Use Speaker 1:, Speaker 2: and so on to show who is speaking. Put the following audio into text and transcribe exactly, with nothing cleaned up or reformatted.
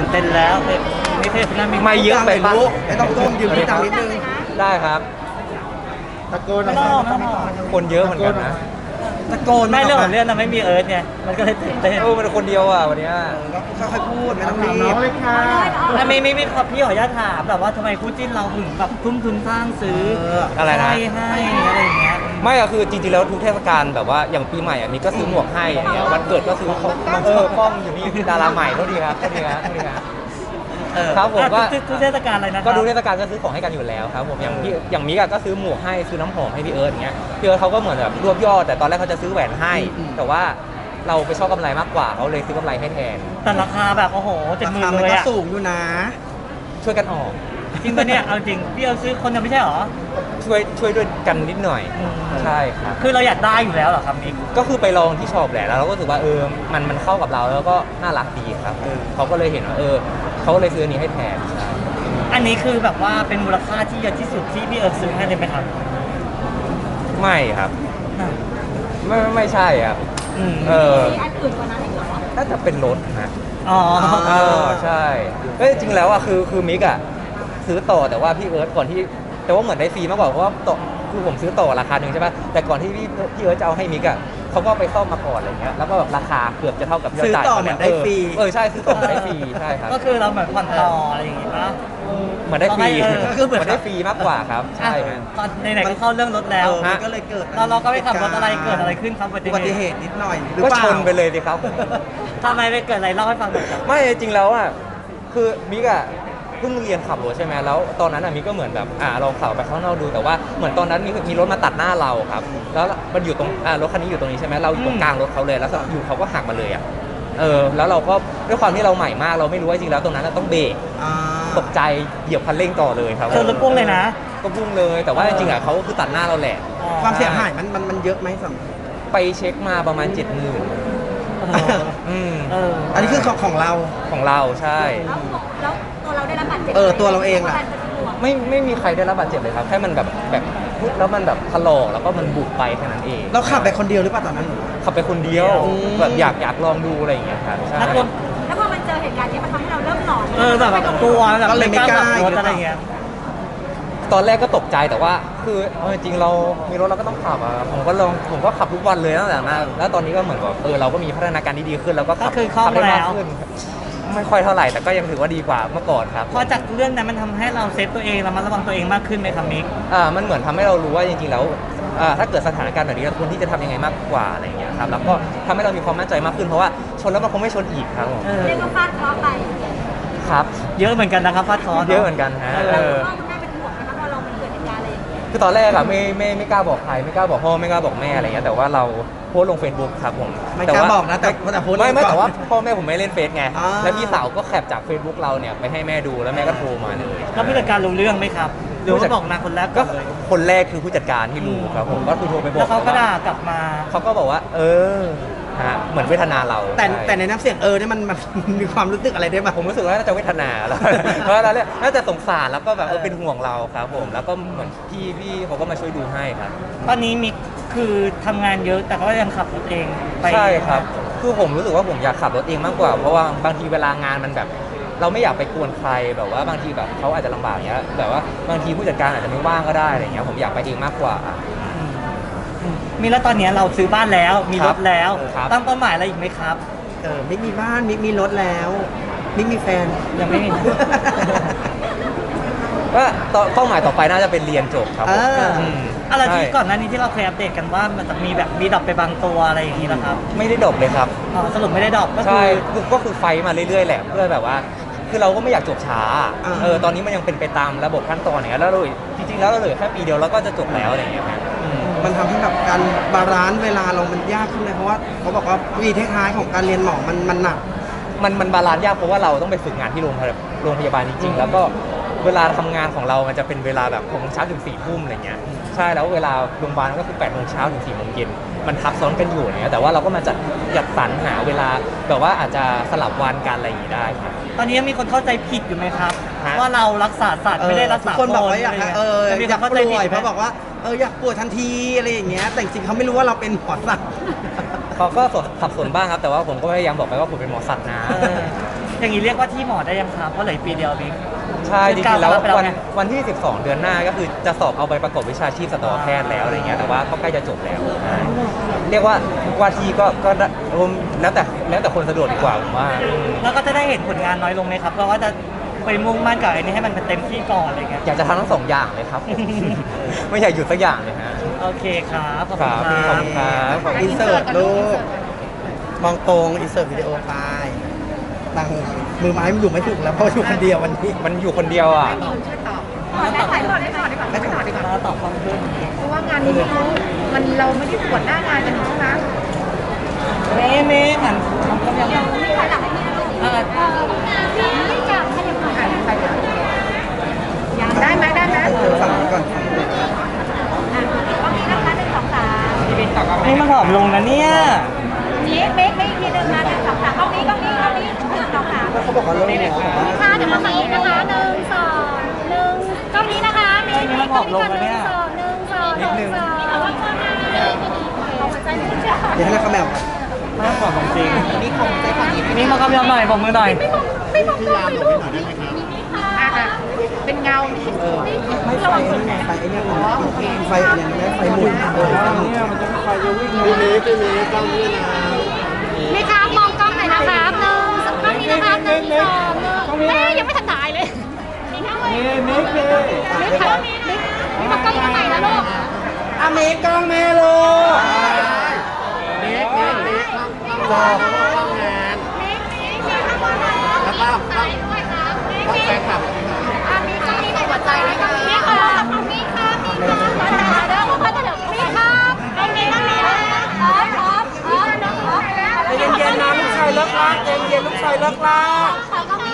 Speaker 1: เต้นแล้วไม่เท่นะมี
Speaker 2: ไม่เยอะไปปะ
Speaker 3: ไม่ต้องก้มยืนพี่ตามนิดนึง
Speaker 2: ได้ครับ
Speaker 3: ตะโกน
Speaker 1: ไม่ต้องไม่ต้อง
Speaker 2: คนเยอะเหมือนกันนะ
Speaker 3: ตะโกน
Speaker 1: ไม่เรื่องของเรื่องนะไม่มีเอิร์ธไงมันก็เลยตื่นเต้น
Speaker 2: เออมันคนเดียวอ่ะวันเนี้ย
Speaker 3: ก็ค่อยๆพูดไม่ต้องรีบเลยค่ะ
Speaker 1: อ่ะมีมีมีขอพี่ขออนุญาตถามแบบว่าทำไมคู่จิ้นเราถึงแบบทุ่มทุนสร้างซื้อ
Speaker 2: อะไรนะ
Speaker 1: ให้ให้อะไรอย่างเงี้ย
Speaker 2: ไม่อะคือจริงๆแล้วทุกเทศกาลแบบว่าอย่างปีใหม่อะมีก็ซื้อหมวกให้อย่างเงี้ยวันเกิดก็ซื้อของเออป้องอยู่นี่ดาราใหม่เท่าดีครับเท่าดีครับเท่าดีครับ
Speaker 1: เออ
Speaker 2: ครับผมก็
Speaker 1: อ่ะทุกทุกเทศกาลอะไรนะ
Speaker 2: ก็ดูเทศกาลก็ซื้อของให้กันอยู่แล้วครับผมอย่างพี่อย่างมิกอะก็ซื้อหมวกให้ซื้อน้ำหอมให้พี่เอิร์ธอย่างเงี้ยพี่เอิร์ธเขาก็เหมือนแบบรวบยอดแต่ตอนแรกเขาจะซื้อแหวนให้ แต่ว่าเราไปชอบกำไรมากกว่าเขาเลยซื้อกำไรให้แทน
Speaker 1: แต่ราคาแบบโอ้โหเจ็ด
Speaker 3: รา
Speaker 1: หมื่
Speaker 3: คาน มัน
Speaker 1: เลย
Speaker 3: ก็
Speaker 1: อะ
Speaker 3: สูงอยู่นะ
Speaker 2: ช่วยกันออก
Speaker 1: จริงปะเนี่ยเอาจริงพี่เอาซื้อคนเดียวไม่ใช่เหรอ
Speaker 2: ช่วยช่วยด้วยกันนิดหน่อย
Speaker 1: อืม
Speaker 2: ใช่ครับ
Speaker 1: คือเราอยากได้อยู่แล้วเหรอครับมิก
Speaker 2: ก็คือไปลองที่ช็อปแหละแล้วเราก็รู้สึกว่าเออมันมันเข้ากับเราแล้วก็น่ารักดีครับเออเขาก็เลยเห็นว่าเออเขาก็เลยซื้ออันนี้ให้แทนใช่
Speaker 1: อันนี้คือแบบว่าเป็นมูลค่าที่เยอะที่สุดที่พี่เอิร์ธซื้อให้เลยไหมครับ
Speaker 2: ไม่ครับไม่ไม่ไม่ใช่ครับ
Speaker 1: อืม
Speaker 2: เออ
Speaker 4: มีอันอื่นกว่านั้นอีกเหรอ
Speaker 2: น่าจะเป็นรถนะ
Speaker 1: อ๋อ
Speaker 2: เออใช่เอ้ยจริงแล้วอ่ะคือคือมิกอ่ะซื้อต่อแต่ว่าพี่เอิร์ธก่อนที่แต่ว่าเหมือนได้ฟรีมากกว่าเพราะว่าต่อคือผมซื้อต่อราคาหนึ่งใช่ป่ะแต่ก่อนที่พี่พี่เอิร์ธจะเอาให้มิกอ่ะเขาก็ไปซ่อมมาก่อนอะไรเงี้ยแล้วก็แบบราคาเกือบจะเท่ากับที่เราจ่าย
Speaker 3: ซื้อต่อเหมือนได้ฟรี
Speaker 2: เออใช่ซื้อต่อเหมือนได้ฟรีใช่ครับ
Speaker 1: ก็คือเราเหมือนผ่อนต่ออะไรอย่างงี้ป่ะ
Speaker 2: เหมือนได้ฟรี
Speaker 1: เออ
Speaker 2: คือเหมือนได้ฟรีมากกว่าครับใช่ครับ
Speaker 1: ตอนไหนๆก็เข้าเรื่องรถแล้ว
Speaker 3: เออมันก็เลยเกิด
Speaker 1: เราเราก็ไปขับรถอะไรเกิดอะไรขึ้นครับ
Speaker 3: อุบัติเหตุนิดหน่อยหรือ
Speaker 2: ก็
Speaker 3: เปล่า
Speaker 2: ชนไปเลยสิครับ
Speaker 1: ทำไมไปเกิดอะไรเล่าให้ฟังหน่อยครับ
Speaker 2: ไม่จริงแล้วอ่ะคือมิกอ่ะเพิ่งเรียนขับรถใช่ไหมแล้วตอนนั้นอ่ะมิกก็เหมือนแบบอ่าลองขับไปข้างนอกดูแต่ว่าเหมือนตอนนั้นมีมีรถมาตัดหน้าเราครับแล้วมันอยู่ตรงอ่ารถคันนี้อยู่ตรงนี้ใช่ไหมเราอยู่ตรงกลางรถเขาเลยแล้วอยู่เขาก็หักมาเลยอ่ะเออแล้วเราก็ด้วยความที่เราใหม่มากเราไม่รู้ว่าจริงแล้วตรงนั้นต้องเบรก
Speaker 3: อ่า
Speaker 2: ตกใจเหยียบคันเร่งต่อเลยครับ
Speaker 1: ชนรถพ่วงเลยนะ
Speaker 2: ก็พุ่งเลยแต่ว่าจริงๆอ่ะเขาก็คือตัดหน้าเราแหละ
Speaker 3: ความเสียหายมันมันมันเยอะไหมสำ
Speaker 2: ไปเช็คมาประมาณเจ็ดหมื่น
Speaker 1: เออ
Speaker 2: อืม
Speaker 1: เออ
Speaker 3: อันนี้คือของของเรา
Speaker 2: ของเราใช่
Speaker 4: แล้วแล้วตัวเราได้รับบาดเจ็บ
Speaker 3: เออตัวเราเองอะ
Speaker 4: ะ
Speaker 2: ไม่ไม่มีใครได้รับบาดเจ็บเลยครับแค่มันแบบแบบพุดแล้วมันแบบถลอกแล้วก็มันบุบไปแค่นั้นเอง
Speaker 3: เราขับไปคนเดียวหรือเปล่าตอนนั้น
Speaker 2: ขับไปคนเดียว
Speaker 3: อืม
Speaker 2: แบบอยากอยากลองดูอะไรอย่างเงี้ยครับใช่
Speaker 1: นักรถ
Speaker 4: แล้วพอมันเจอเหตุการณ์นี้มันทำให้เราเริ่มหลอน
Speaker 1: เออแบบแบบกลัวแบบ
Speaker 3: ก็เลยไม่กล้า
Speaker 1: ขับรถอะไรอย่างเงี้ย
Speaker 2: ตอนแรกก็ตกใจแต่ว่า คือเอาจริงๆเรามีรถเราก็ต้องขับอ่ะผมก็ลองผมก็ขับทุกวันเลยตั้งแต่นั้นแล้วตอนนี้ก็เหมือนแบบเออเราก็มีพัฒนาการที่ดีขึ้นแล้วก็ขั
Speaker 1: ก็คือคล่อง
Speaker 2: ขัได้มาก
Speaker 1: แล้ว
Speaker 2: ขึ้นไม่ค่อยเท่าไหร่แต่ก็ยังถือว่าดีกว่าเมื่อก่อนครับ
Speaker 1: พอจากเรื่องนั้นมันทำให้เราเซฟตัวเองระมัดระวังตัวเองมากขึ้นไหมครับมิก
Speaker 2: อ่ามันเหมือนทำให้เรารู้ว่าจริงๆแล้วอ่าถ้าเกิดสถานการณ์แบบนี้เราควรที่จะทำยังไงมากกว่าอะไรอย่างเงี้ยครับแล้วก็ทำให้เรามีความมั่นใจมากขึ้นเพราะว่าชนแล้วมันคงไม่ชนอีกครับผม
Speaker 1: เออ
Speaker 4: เรียกว่าฟาดเคราะห์ไป
Speaker 2: ครับ
Speaker 1: เยอะเหมือนกันนะครับฟาดคอร์ส
Speaker 2: เยอะเหมือนกันฮะ
Speaker 1: เอ
Speaker 2: เอ
Speaker 1: อ
Speaker 2: อ
Speaker 4: พ่อคุณแม่เป็นห่วงไหมคะพอเรามันเกิดเหตุการณ์อะไรอย่างเงี้ย
Speaker 2: คือตอนแรกอะไม่ไม่ไม่กล้าบอกใครไม่กล้าบอกพ่อไม่กล้าบอกแม่อะไรเงี้ยแต่ว่าเราโพสต์ลง Facebook ครับผม
Speaker 3: ไม่กล้า
Speaker 2: ว่
Speaker 3: บอกนะแต่แต่โพสต์
Speaker 2: ไม่ไม่
Speaker 3: ลงก่อน
Speaker 2: แต่ว่าพ่อแม่ผมไม่เล่นเฟซไง
Speaker 3: อ่า
Speaker 2: แล้วพี่สาวก็แคปจาก Facebook เราเนี่ยไปให้แม่ดูแล้วแม่ก็โทรมาเลย
Speaker 1: แล้วผู้จัดการรู้เรื่องไหมครับหรือว่าบอกนางคนแรก
Speaker 2: ก็
Speaker 1: ก่อนเลย
Speaker 2: คนแรกคือผู้จัดการที่รู้ครับผมก็คือโทรไปบอ
Speaker 1: แล้
Speaker 2: ก
Speaker 1: วเขาก็ด่ากลับมา
Speaker 2: เขาก็บอกว่า เออฮะเหมือนเวทนาเรา
Speaker 3: แต่
Speaker 2: ช่
Speaker 3: แต่ในน้ำเสียงเออเนี่ยมันมัน มีความรู้สึกอะไรได้บ้าง
Speaker 2: ผมรู้สึกว่าน่าจะเวทนาแล้ว เพราะเราเนี่ยน่าจะสงสารแล้วก็แบบเออเป็นห่วงเราครับผมแล้วก็เหมือนพี่พี่เขาก็มาช่วยดูให้ครับ
Speaker 1: ตอนนี้มิกคือทำงานเยอะแต่ก็ยังขับรถเองไป
Speaker 2: ใช่ครับ คือผมรู้สึกว่าผมอยากขับรถเองมากกว่า เพราะว่าบางทีเวลางานมันแบบ เราไม่อยากไปกวนใครแบบว่าบางทีแบบเขาอาจจะลำบากเงี้ยแบบว่าบางทีผู้จัดการอาจจะไม่ว่างก็ได้อะไรเงี้ยผมอยากไปเองมากกว่า
Speaker 1: อืมอืมมีแล้วตอนนี้เราซื้อบ้านแล้วมีรถแล้ว
Speaker 2: ครับ
Speaker 1: ตั้งเป้าหมายอะไรอีกไหมครับ
Speaker 3: เออมิกมีบ้านมิกมีรถแล้วมิกมีแฟน
Speaker 1: ยังไม่มี
Speaker 2: ก็ต่อเป้าหมายต่อไปน่าจะเป็นเรียนจบครับผม
Speaker 3: อ่า
Speaker 2: อืม
Speaker 1: อะไรที่
Speaker 2: ใช่
Speaker 1: ก่อนหน้านี้ที่เราเคยอัปเดตกันว่ามันจะมีแบบมีดรอปไปบางตัวอะไรอย่างนี้นะครับ
Speaker 2: ไม่ได้ดบเลยครับ
Speaker 1: อ๋อสรุปไม่ได้ดรอปก็คื
Speaker 2: ใช่
Speaker 1: อ
Speaker 2: คือก็คือไฟท์มาเรื่อยๆแหละเพื่อแบบว่า คือเราก็ไม่อยากจบช้า
Speaker 3: อ่า
Speaker 2: เออตอนนี้มันยังเป็นไปตามระบบขั้นตอนอย่างเงี้ยแล้วเราจริงๆแล้วเราเหลือแค่ปีเดียวแล้วก็จะจบแล้วอะไรอย่างเงี้ยครับอืม
Speaker 3: มันทำให้แบบการบาลานซ์เวลาเรามันยากขึ้นเลยเพราะว่าเขาบอกว่าวีท้ายๆของการเรียนหมอมันมันหนัก
Speaker 2: มันมันบาลานซ์ยากเพราะว่าเราต้องไปฝึกงานที่โรงพยาบาลโรงพยาบาลจริงๆ แล้วก็เวลาทำงานของเรามันจะเป็นเวลาแบบหกโมงเช้าถึงสี่ทุ่มอะไรเงี้ยใช่แล้วเวลาโรงพยาบาลก็คือแปดโมงเช้าถึงสี่โมงเย็นมันทับซ้อนกันอยู่เนี่ยแต่ว่าเราก็มาจัดจัดสรรหาเวลาแบบว่าอาจจะสลับวันกันอะไรอย่างงี้ได้ครับ
Speaker 1: ตอนนี้ยังมีคนเข้าใจผิดอยู่ไหมครับ
Speaker 2: ฮะ
Speaker 1: ว่าเรารักษาสัตว์ไม่ได้รักษา
Speaker 3: ทุคนบอกว่าอยาก
Speaker 1: ะไร
Speaker 3: เออ
Speaker 1: แต่มี
Speaker 3: อ
Speaker 1: ค
Speaker 3: ยาน ก
Speaker 1: เข้า
Speaker 3: ป่
Speaker 1: ใจผิด
Speaker 3: วย
Speaker 1: ไหม
Speaker 3: เพราะบอกว่าเอออยากป่วยทันทีอะไรอย่างเงี้ยแต่จริงๆเขาไม่รู้ว่าเราเป็นหมอสัตว์
Speaker 2: เขาก็สับสนบ้างครับแต่ว่าผมก็พยายามบอกไปว่าผมเป็นหมอสัตว์นะ
Speaker 1: เอออย่างนี้เรียกว่าที่หมอได้ยังครับเพราะเหลืออีกปีเดียวบิ๊ก
Speaker 2: ใช่จริงๆแล้ว
Speaker 1: ไปแล้ว
Speaker 2: วัน
Speaker 1: ไง
Speaker 2: วันที่ สิบสอง เดือนหน้าก็คือจะสอบเอาใบประกอบวิชาชีพสัตวแพทย์แล้วอะไรเงี้ยแต่ว่าก็ใกล้จะจบแล้วใช่เรียกว่าว่าที่ก็ก็ได้รวมแล้วแต่แล้วแต่คนสะดวกดีกว่าผมว่าอืม
Speaker 1: แล้วก็จะได้เห็นผลงานน้อยลงไหมครับ เพราะว่าจะไปมุ่งมั่นกับไอ้นี่ให้มันเป็นเต็มที่ก่อนอะไรเงี้ย
Speaker 2: อยากจะทำทั้งสองอย่างเลยครับ ไม่อยากหยุดสักอย่างเลยฮะ
Speaker 1: โอเคครับขอบ
Speaker 2: ค
Speaker 1: คุณ
Speaker 2: รับ
Speaker 1: ค
Speaker 2: ขอบ
Speaker 1: รับ
Speaker 2: คุณครับขอบคุณ
Speaker 3: อินเสิร์ตลูกมองตรงอินเสิร์ตวิดีโอไปตั้งมือไม้มันอยู่ไม่ถูกแล้วเพราะอยู่คนเดียววันนี้
Speaker 2: มันอยู่คนเดียวอ่ะ
Speaker 4: ได้ถ่ายก่อนได้ก่อนได้ก่อน
Speaker 3: ไม่ถอดดีกว่า
Speaker 1: แล้วตอบความขึ้น
Speaker 5: เพราะว่างานนี้เขามันเราไม่ได้ตรวจหน้างานกันใช่ไหม
Speaker 1: เมย์เมย์หันทำกำลัง
Speaker 4: นี่ถ่ายหลังให้พี่นะลูก
Speaker 1: อ่า
Speaker 4: ไม่อยากให้ยังไง
Speaker 5: ถ่ายไปเลยได้ไหมได้ไหม
Speaker 3: เออฝั่งนี้ก่อน
Speaker 4: ตรงนี้นะคะหนึ่งสองสาม
Speaker 1: นี่มันผอมลงนะเนี่ย
Speaker 4: นี่เมคเมคอีกทีหนึ่งนะหนึ่งสองสามกล้องนี้กล้องนี้กล้องนี้หนึ่งสองสาม
Speaker 3: แล้วเขาบอกว่าเริ่มหมอบอกว่า
Speaker 4: ค่ะเดี๋ยวมาฝั่งนี้นะคะหนึ่งสองหนึ่งกล้องนี้นะคะเมคเมคกล้องนี้กันหนึ่งสองหนึ่งสองหนึ่งสองนี่เอาไว้ก่อนนะเอาหัวใจนิดเดียว
Speaker 3: เดี๋ยวให้นักขมแมว
Speaker 1: มากกว่าของจริง
Speaker 3: นี่ของใจฝั่งนี้
Speaker 1: นี่มากำลังหน่อยบอกมือหน่อย
Speaker 4: ไม่บอกไม่บอกลูกนี่ค่ะ
Speaker 5: อ่ะอ่ะเป็นเงา
Speaker 3: เออไม่ไฟไอ้นี่ไฟไอ้เนี่ยมันไฟอะไรนะไฟหมุนเออไฟหมุน
Speaker 4: ไม่ครับมองกล้องหน่อยนะครับหนึ่งกล้องนี้นะครับหนึ่งสองหนึ่งแม่ยังไม่ทันถ่ายเลยมีข้างเลยมิกมิกมิกครับมิกมิกมิกมากล้องนี้ใหม่นะลูก
Speaker 3: อเมกล้องแม่ลูก
Speaker 4: เมกเมกเมก
Speaker 3: รอ
Speaker 4: เมกเมกเมกข้างบนนะแล้วก็ถ่ายด้วยครับเมกเมกอ่ะมีกล้องนี้หน่อยหัวใจนะคะมิกครับมิกครับมิกครับหัวใจเด้อหัวใจเด้อมิกครับกล้องนี้กล้องนี้นะพร้อมพร้อมพร้อมพร้อม
Speaker 3: ใจเย็นๆนะลูกชายเลิกลากใจเย็นๆลูกชายเลิกลาก
Speaker 4: ขอกล้องนี้